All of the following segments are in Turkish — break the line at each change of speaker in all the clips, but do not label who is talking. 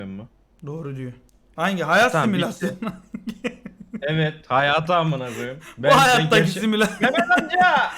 mu?
Doğru diyor. Hangi? Hayat
Tamam,
simülasyonu.
Evet, hayatı amına koyayım.
Bu hayattaki simülasyon.
Mehmet amca!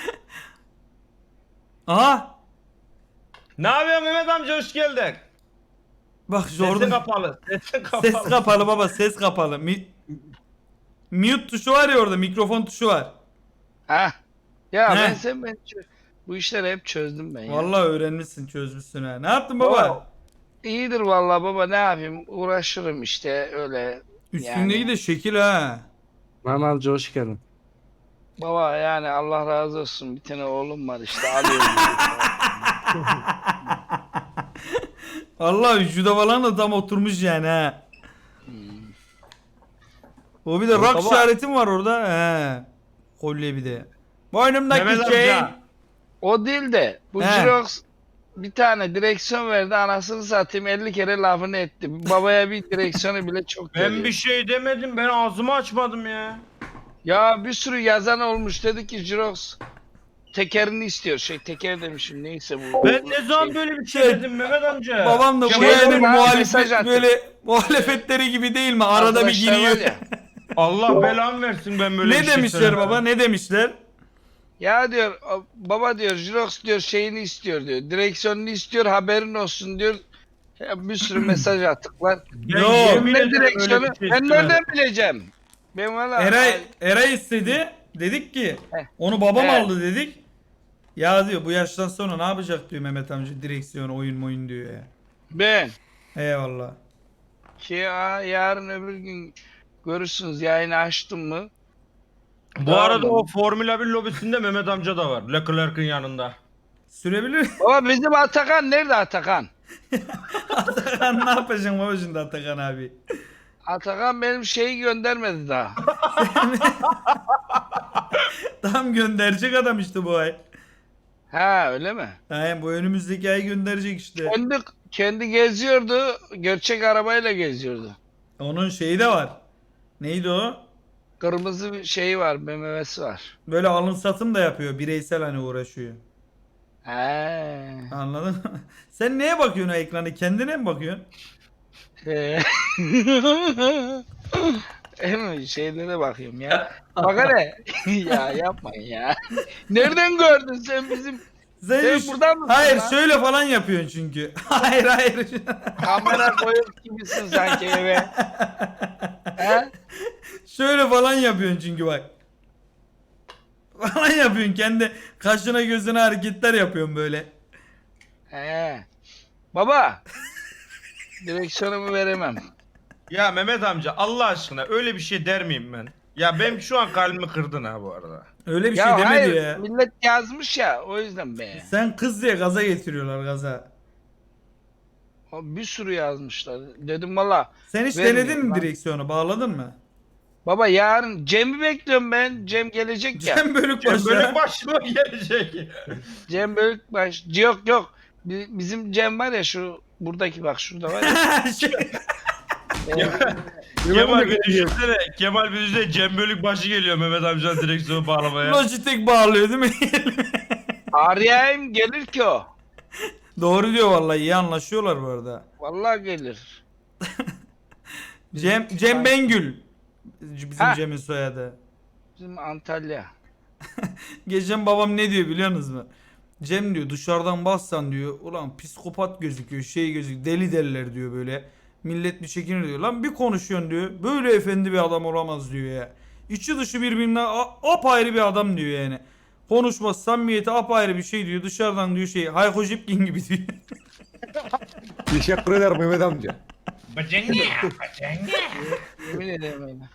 Aha!
Ne yapıyorsun Mehmet amca, hoş geldin.
Bak
Sesin
orada
kapalı. Sesin kapalı.
ses kapalı baba, ses kapalı. Mute tuşu var ya orada, mikrofon tuşu var.
Ha. Ya
He.
bu işleri hep çözdüm ben ya.
Vallahi öğrenmişsin, çözmüşsün ha. Ne yaptın baba?
İyidir vallahi baba, ne yapayım, uğraşırım işte öyle.
Üstündeki
Yani
de şekil ha.
Manalcı hoş geldin.
baba, yani Allah razı olsun, bir tane oğlum var işte, alıyorum.
Allah vücuda falan da tam oturmuş yani ha. O bir de rock
Baba.
işaretim var orada. He. Kolye bir de. Boynumdaki
Mehmet
şey.
amca.
O değil de bu
He.
Jirox bir tane direksiyon verdi, anasını satayım 50 kere lafını etti. Babaya bir direksiyonu bile çok
Ben
veriyor.
bir şey demedim, ben ağzımı açmadım ya.
Ya bir sürü yazan olmuş, dedi ki Jirox tekerini istiyor. Teker demişim, neyse bu.
Ben ne zaman böyle bir şey
Şey,
dedim Mehmet amca?
Babam da bu
Şey
yani
olur ha, mesaj
muhalefet
attı.
böyle muhalefetleri gibi değil mi? Arada bir
Arkadaşlar
giriyor.
var ya.
Allah belamı versin, ben böyle bir
Ne
şey
demişler
söylemedim.
baba? Ne demişler?
Ya diyor baba, diyor Jirox diyor şeyini istiyor diyor. Direksiyonunu istiyor, haberin olsun diyor. Ya bir sürü mesaj attıklar.
Ben
Yo.
yemin
Ne
ederim öyle
direksiyonu?
bir şey
Ben
istemedim.
nereden bileceğim? Ben valla
Eray istedi. Dedik ki
Heh.
onu babam
Evet.
aldı dedik. Ya diyor bu yaştan sonra ne yapacak diyor Mehmet amca, direksiyon oyun diyor ya.
ben
Eyvallah.
ki yarın öbür gün görürsünüz, yayını açtım mı?
Bu
Tamam.
arada o Formula 1 lobisinde Mehmet amca da var. Leclerc'in yanında.
Sürebilir.
Baba bizim Atakan nerede, Atakan?
Atakan ne yapacaksın baba şimdi Atakan abi?
Atakan benim şeyi göndermedi daha.
Tam gönderecek adam işte bu ay.
Ha, öyle mi?
Yani bu önümüzdeki ay gönderecek işte.
Kendi geziyordu. Gerçek arabayla geziyordu.
Onun şeyi de var. Neydi o?
Kırmızı bir şeyi var, BMW'si var.
Böyle alım satım da yapıyor. Bireysel hani uğraşıyor.
He.
Anladın mı? Sen neye bakıyorsun o ekranı? Kendine mi bakıyorsun?
Hemen şeylere bakıyorum ya. Bak hele. Ya yapmayın ya. Nereden gördün sen bizim Sen
Sen
buradan mısın
hayır
lan?
şöyle falan yapıyorsun çünkü. Hayır.
kamera koyup gibisin sanki eve? He?
Şöyle falan yapıyorsun çünkü bak. Falan yapıyorsun. Kendi kaşına gözüne hareketler yapıyorsun böyle.
He. Baba. Direksiyonumu veremem.
Ya Mehmet amca Allah aşkına öyle bir şey der miyim ben? Ya benim şu an kalbimi kırdın ha bu arada.
Öyle bir
Ya
şey demedi
hayır,
ya.
millet yazmış ya, o yüzden be.
Sen kız diye gaza getiriyorlar gaza.
Bir sürü yazmışlar. Dedim valla.
Sen hiç
Vermiyorum
denedin mi
lan.
direksiyonu? Bağladın mı?
Baba yarın Cem'i bekliyorum ben. Cem gelecek ya.
Cem Bölükbaşı.
Böyle başıma gelecek.
Cem Bölükbaş. Yok. Bizim Cem var ya, şu buradaki, bak şurada var ya.
Kemal bir düşünsene. Kemal bir düşünsene. Cem Bölükbaşı geliyor Mehmet amcanın direksiyonu bağlamaya.
Logitech bağlıyor değil mi?
Arayayım, gelir ki o.
Doğru diyor vallahi, iyi anlaşıyorlar bu arada.
Vallahi gelir.
Cem Bengül. Bizim
Ha.
Cem'in soyadı.
Bizim Antalya.
Geçen babam ne diyor biliyor musunuz mu? Cem diyor dışarıdan baksan diyor ulan psikopat gözüküyor, şey gözüküyor, deli derler diyor böyle. Millet bir çekinir diyor. Lan bir konuşuyorsun diyor. Böyle efendi bir adam olamaz diyor ya. İçi dışı birbirinden apayrı bir adam diyor yani. Konuşması, samimiyeti apayrı bir şey diyor. Dışarıdan diyor şey Hayko Jipkin gibi diyor.
Teşekkür ederim Mehmet amca.
Yemin ederim öyle.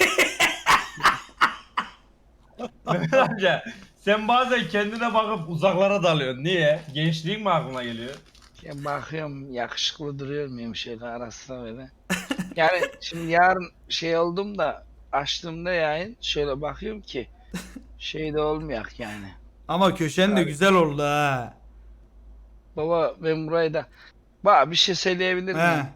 Mehmet amca sen bazen kendine bakıp uzaklara dalıyorsun. Niye? Gençliğin mi aklına geliyor?
Ya bakıyorum, yakışıklı duruyor muyum şöyle arasına böyle. Yani şimdi yarın şey oldum da, açtığımda yayın şöyle bakıyorum ki şey de olmayak yani.
Ama köşen de güzel oldu ha.
Baba ben burayı da bak bir şey söyleyebilir miyim?
He.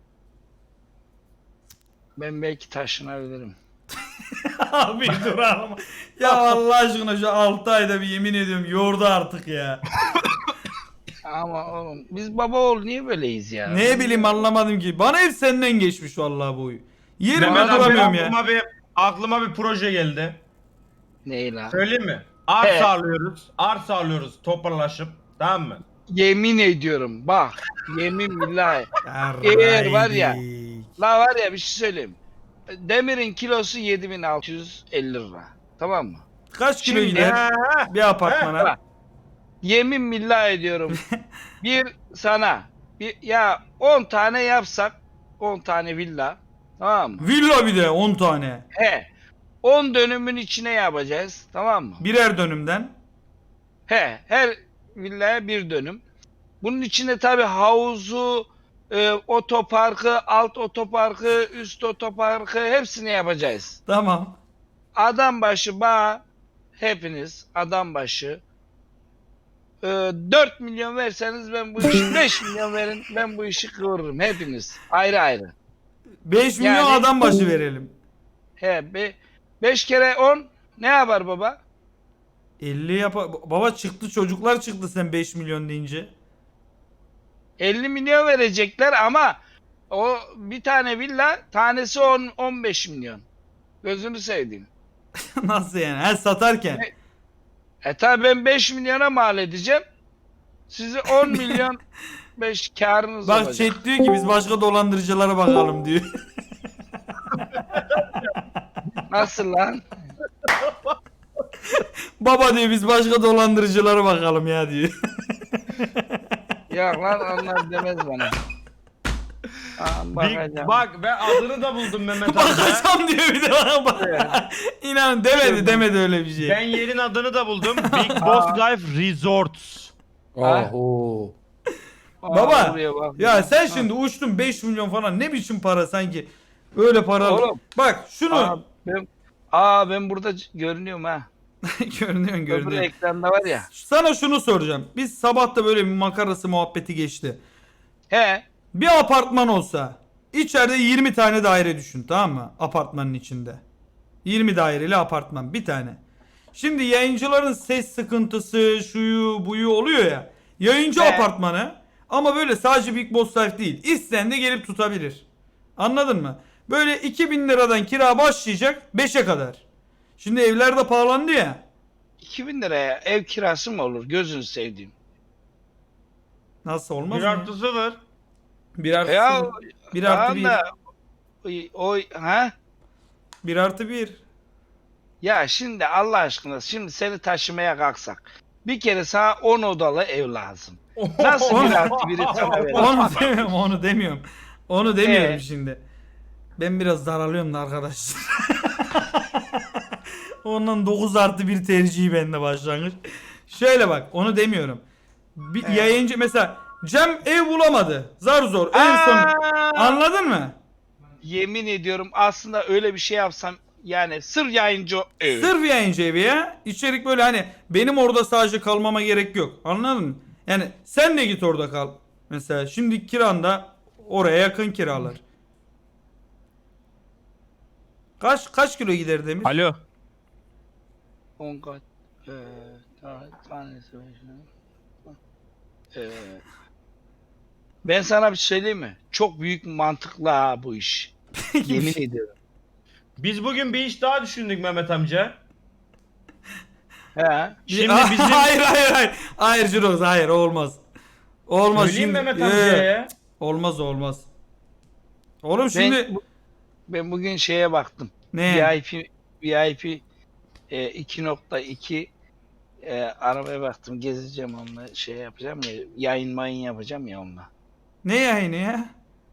Ben belki taşınabilirim.
Abi dur ama. Ya Allah aşkına şu 6 ayda bir yemin ediyorum yordu artık ya.
Ama oğlum biz baba oğul niye böyleyiz ya?
Ne bileyim anlamadım ki. Bana hep senden geçmiş vallahi bu oyu. Yerimde
Mehmet abi
duramıyorum ya.
aklıma bir proje geldi.
Ney lan?
Söyleyeyim mi?
He.
Arsa alıyoruz toparlaşıp. Tamam mı?
Yemin ediyorum bak. Yemin billahi. Eğer var ya-
Yarraydik.
La var ya bir şey söyleyeyim. Demirin kilosu 7.650 lira. Tamam mı?
Kaç kilo
Şimdi-
gider bir apartmana?
Bak. Yemin billahi ediyorum. Bir sana ya 10 tane yapsak 10 tane villa. Tamam mı?
Villa bir de 10 tane.
He. 10 dönümün içine yapacağız. Tamam mı?
Birer dönümden.
He. Her villaya bir dönüm. Bunun içinde tabi havuzu, otoparkı, alt otoparkı, üst otoparkı hepsini yapacağız.
Tamam.
Adam başı hepiniz adam başı 4 milyon verseniz ben bu işi 5 milyon verin ben bu işi kıvırırım hepiniz ayrı ayrı.
5 milyon
Yani-
adam başı verelim.
He 5 kere 10 ne yapar baba?
50 Baba çıktı çocuklar çıktı sen 5 milyon deyince.
50 milyon verecekler ama o bir tane villa tanesi 15 milyon. Gözünü seveyim.
Nasıl yani? Ha satarken.
Tabi ben 5 milyona mal edeceğim. Sizi 10 milyon 5 karınız
Bak
olacak.
chat diyor ki biz başka dolandırıcılara bakalım diyor.
Nasıl lan?
Baba diyor biz başka dolandırıcılara bakalım ya diyor.
Ya lan onlar demez bana. Bakacağım.
Bak ben adını da buldum Mehmet amca.
Bakacağım diyor bir de bana bak. İnan demedi öyle bir şey.
Ben yerin adını da buldum. Big Boss Life Resorts.
Ha?
Oo.
Baba,
buraya bak.
Ya sen şimdi uçtun 5 milyon falan ne biçim para sanki. Öyle para.
Oğlum.
Bak şunu
Ben burada görünüyorum ha.
görünüyor.
Öbür ekranda var ya.
Sana şunu soracağım. Biz sabah da böyle bir makarası muhabbeti geçti.
He.
Bir apartman olsa içeride 20 tane daire düşün, tamam mı? Apartmanın içinde. 20 daireli apartman bir tane. Şimdi yayıncıların ses sıkıntısı, şuyu buyu oluyor ya. Yayıncı
He.
apartmanı ama böyle sadece Big Boss Life değil. İsteyen de gelip tutabilir. Anladın mı? Böyle 2000 liradan kira başlayacak 5'e kadar. Şimdi evler de pahalandı ya.
2000 liraya ev kirası mı olur? Gözünü sevdiğim.
Nasıl olmaz
Bir
mı?
artı sıfır.
Bir artı
Ya
sıfır. Bir artı bir.
da ha?
1 artı 1.
Ya şimdi Allah aşkına şimdi seni taşımaya kalksak bir kere sana 10 odalı ev lazım. Nasıl bir artı biri sana verir?
Onu demiyorum. Onu demiyorum
Ee?
şimdi. Ben biraz daralıyorum da arkadaşlar. Ondan 9 artı 1 tercihi bende başlangıç. Şöyle bak onu demiyorum. Bir yayıncı mesela Cem ev bulamadı. Zar zor. En son anladın mı?
Yemin ediyorum aslında öyle bir şey yapsam yani sır yayıncı ev.
Sırf yayıncı evi ya. İçerik böyle hani benim orada sadece kalmama gerek yok. Anladın mı? Yani sen de git orada kal. Mesela şimdi kiranda oraya yakın kiralar. Kaç kilo gider Demir?
Alo.
10 kat. Tanesi ben sana bir şey söyleyeyim mi? Çok büyük mantıklı ha bu iş. Yemin ediyorum.
Biz bugün bir iş daha düşündük Mehmet amca.
He.
Şimdi bizim...
Hayır. Hayır Jiroz hayır olmaz. Olmaz
Söyleyeyim
şimdi.
Mehmet amcaya.
Olmaz. Oğlum şimdi
Ben bugün şeye baktım.
ne?
VIP 2.2 arabaya baktım. Gezeceğim onunla şey yapacağım ya. Yayın yapacağım ya onunla.
Ne yayını ya?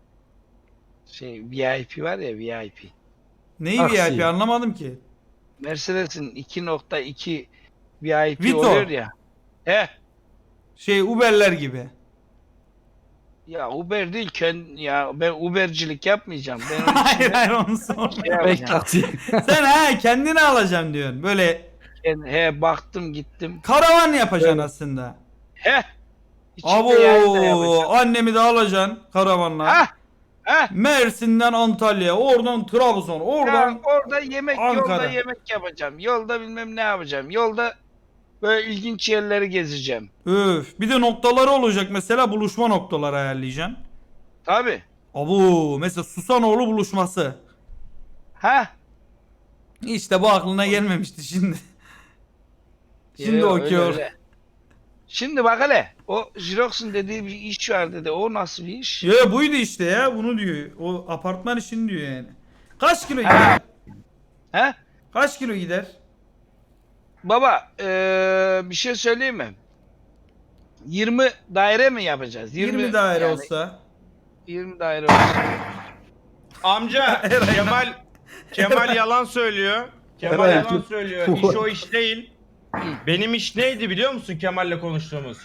VIP var ya VIP.
Neyi
Aksi.
VIP anlamadım ki.
Mercedes'in 2.2 VIP
Vito.
oluyor ya.
Uber'ler gibi.
Ya Uber değil ya ben Ubercilik yapmayacağım. Ben onun için
hayır onu sor.
şey
Bek
yapacağım.
taksi.
Sen kendini alacaksın diyorsun. Böyle
Baktım gittim.
karavan yapacaksın aslında.
İçinde yayın da
Abo
yapacağım.
annemi de alacaksın karavanla.
Ha.
Mersin'den Antalya, oradan Trabzon, oradan
Ya orada yolda
Ankara.
yemek yapacağım. Yolda bilmem ne yapacağım. Yolda Böyle ilginç yerleri gezeceğim.
Öf. Bir de noktaları olacak mesela, buluşma noktaları ayarlayacaksın.
Tabi.
Abu mesela Susanoğlu buluşması.
Ha?
İşte bu aklına gelmemişti şimdi. Şimdi
Yo,
okey.
öyle. Şimdi bak hele. O Jirox'un dediği bir iş var dedi. O nasıl bir iş?
Ya buydu işte ya, bunu diyor. O apartman işini diyor yani. Kaç kilo gider?
He?
Kaç kilo gider?
Baba bir şey söyleyeyim mi? 20 daire mi yapacağız?
20 daire
yani
olsa.
20 daire olsa.
Amca Kemal yalan söylüyor. Kemal
Evet.
yalan söylüyor. İş o iş değil. Benim iş neydi biliyor musun Kemal'le konuştuğumuz?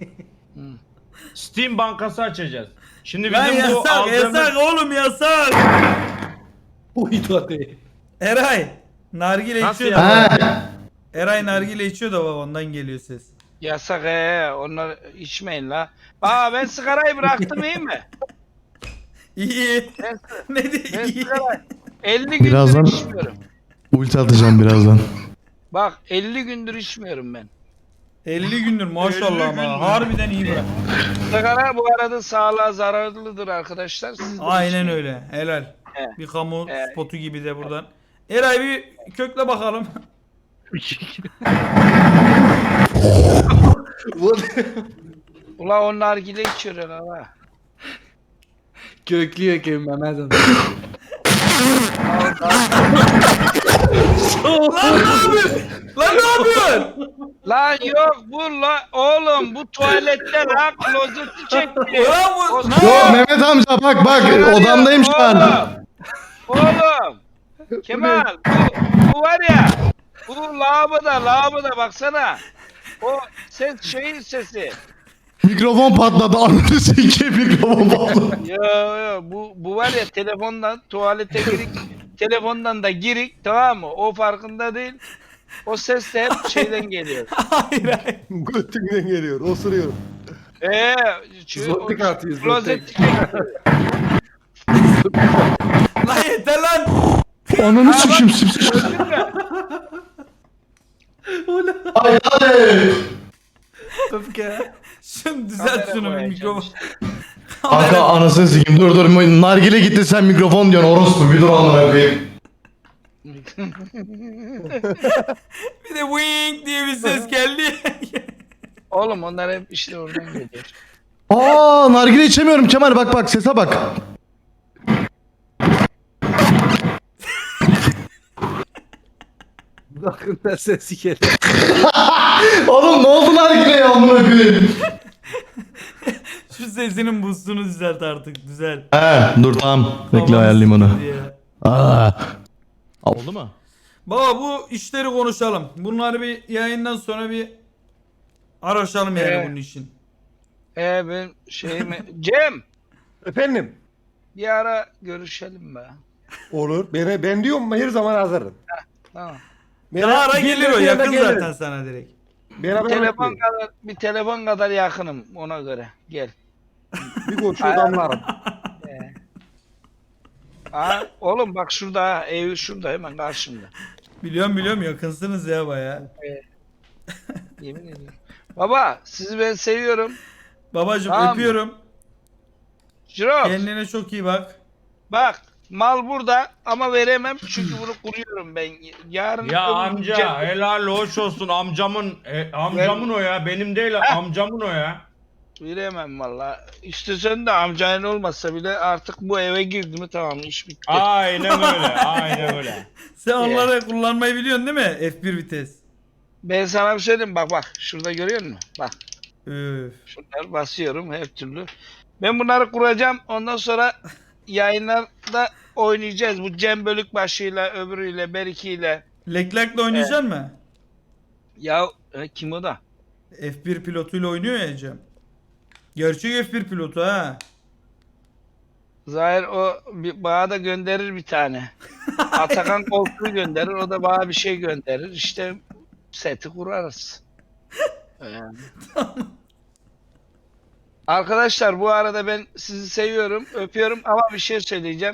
Steam bankası açacağız. Şimdi
Lan
bizim bu
yasak
aldığımız...
yasak oğlum yasak.
Uydu hadi.
Eray nargile
Nasıl
içiyor da.
yasak?
Eray nargile içiyor da baba, ondan geliyor ses.
Yasak onlar içmeyin la. Ben sigarayı bıraktım iyi mi?
İyi. Ne
Ben
diyor? İyi.
sigarayı 50 gündür
Birazdan-
içmiyorum.
Ulti atacağım birazdan.
Bak 50 gündür içmiyorum ben.
50 gündür
50
maşallah ama
gündür.
harbiden iyi bırak.
Sigara bu arada sağlığa zararlıdır arkadaşlar. Siz de
Aynen
içmeyin.
öyle. Helal.
Evet.
Bir kamu
Evet.
spotu gibi de buradan. Eray bir kökle bakalım.
Ula o nargile içiyor ha.
Köklüyor ki Mehmet'im.
Lan ne yapıyorsun? Lan ne yapıyorsun?
Lan yok bu oğlum bu tuvalette la klozeti çekti.
Ulan bu
O-
ne?
Yok Mehmet amca bak odamdayım şu an.
Oğlum. Kemal bu var ya. Bu lavaboda baksana. O ses şeyin sesi.
Mikrofon patladı ananı sikeyim mikrofon patladı.
Yo bu var ya telefondan tuvalete girik. Telefondan da girik tamam mı? O farkında değil. O ses de hep şeyden geliyor.
Hayır hayır.
Götümden geliyor. Osuruyorum. Zotik atıyor, zotik.
klozet
Lan yeter lan.
Ananı sikeyim sipsik. Ay hadi.
Öfke. Şunu düzelt
Kamera
şunu bir
koyacağım
mikrofon.
işte.
Kanka anasını sikeyim dur nargile gitti sen mikrofon diyorsun orospu bir dur amına koyayım.
Bir de wing diye bir ses geldi.
Oğlum onlar hep işte oradan geliyor.
Aa nargile içemiyorum Kemal bak sese bak.
Bakın da sesi geliyor.
Oğlum ne oldu nargileye amına koyayım.
Şu sesinin boostunu düzelt artık, düzelt.
He dur tamam bekle
Aman
ayarlayayım onu.
siktir ya.
Aa. Oldu mu?
Baba bu işleri konuşalım. Bunları bir yayından sonra bir araşalım yani bunun için.
Ben şeyimi... Cem!
Efendim.
Bir ara görüşelim be.
Olur. Ben diyorum her zaman hazırım.
Tamam.
Daha ara gelir o, yakın
gelirim.
zaten sana direkt.
Bir telefon kadar yakınım ona göre. Gel.
Bir koşu damlarım.
Oğlum bak şurada ha, evi şurada hemen karşımda.
Biliyorum yakınsınız ya baya.
Yemin ediyorum. Baba sizi ben seviyorum.
Babacım
Tamam.
öpüyorum.
Jirox
Kendine çok iyi bak.
bak mal burada ama veremem çünkü bunu kuruyorum ben. Yarın
Ya
öbür
amca
Cem-
helal hoş olsun amcamın o ya benim değil amcamın o ya.
Veremem valla. İstesen de amcayın olmasa bile artık bu eve girdi mi tamam iş bitti.
Aynen öyle.
Sen onları kullanmayı biliyorsun değil mi? F1 vites.
Ben sana bir söyleyeyim bak şurada görüyor musun? Bak
Öf.
şunları basıyorum her türlü. Ben bunları kuracağım ondan sonra yayınlarda oynayacağız. Bu Cem Bölükbaşı'yla öbürüyle Beriki'yle.
Leklak'la oynayacaksın mı?
Ya kim o da?
F1 pilotuyla oynuyor ya Cem. Gerçek F1 pilotu ha.
Zahir bana da gönderir bir tane. Atakan koltuğu gönderir o da bana bir şey gönderir. İşte seti kurarız. Yani. Arkadaşlar bu arada ben sizi seviyorum, öpüyorum ama bir şey söyleyeceğim.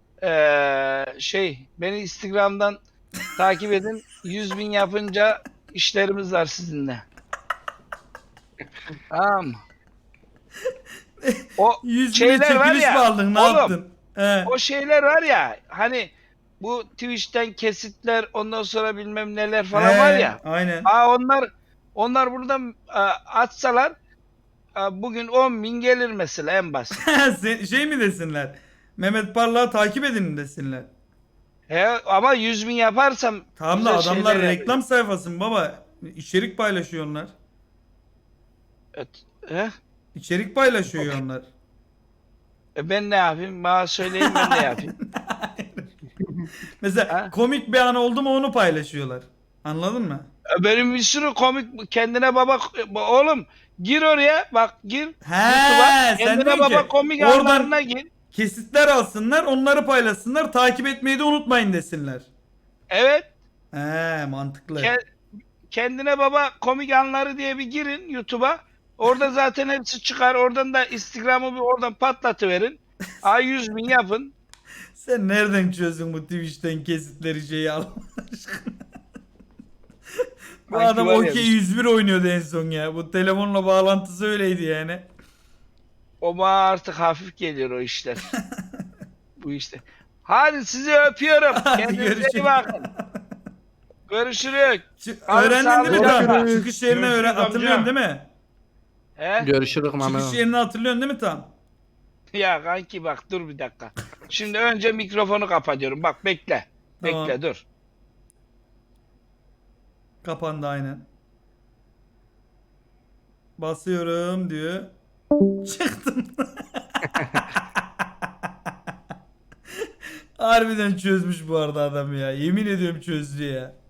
Beni Instagram'dan takip edin. 100.000 yapınca işlerimiz var sizinle. Tamam mı? O
100 bin
şeyler var
çekiliş
ya,
mi aldın? Ne
oğlum,
yaptın? He.
o şeyler var ya hani bu Twitch'ten kesitler ondan sonra bilmem neler falan var ya.
Aynen.
Onlar buradan atsalar bugün 10.000 gelir mesela en basit.
Şey mi desinler? Mehmet Parlak'ı takip edin mi desinler?
Ama 100.000 yaparsam
Tamam da
güzel
adamlar
şeyler
reklam sayfası mı baba? İçerik paylaşıyor onlar.
He?
İçerik paylaşıyor onlar.
Ben ne yapayım? Bana söyleyin ben ne yapayım?
Mesela
Ha?
komik bir an oldu mu onu paylaşıyorlar. Anladın mı?
Benim bir sürü komik kendine baba oğlum gir oraya bak gir
He,
YouTube'a
sen
kendine
diyorsun
baba
ki,
komik
oradan-
anlarına gir.
Kesitler alsınlar, onları paylaşsınlar, takip etmeyi de unutmayın desinler.
Evet
He, mantıklı.
kendine baba komik anları diye bir girin YouTube'a. Orada zaten hepsi çıkar. Oradan da Instagram'ı bir oradan patlatıverin. 100.000 yapın.
Sen nereden çözdün bu Twitch'ten kesitleri şeyi al? Bu
Sanki
adam
var ya
okey
bir-
101 oynuyordu en son ya. Bu telefonla bağlantısı öyleydi yani.
O bana artık hafif geliyor o işler. Bu işte. Hadi sizi öpüyorum.
Hadi
Kendinize
görüşürüz.
iyi bakın. Görüşürüz.
Öğrendin değil mi
sağlıcakla.
tam? Çıkış yerini
Görüşürüz
hatırlıyorsun
amca.
değil mi?
He?
Görüşürüz
Çıkış
Mehmet.
yerini hatırlıyorsun değil mi tam?
Ya kanki bak dur bir dakika. Şimdi önce mikrofonu kapatıyorum. Bak bekle.
Tamam.
Bekle dur.
Kapandı aynen. Basıyorum diyor. Çıktım. Harbiden çözmüş bu arada adam ya. Yemin ediyorum çözdü ya.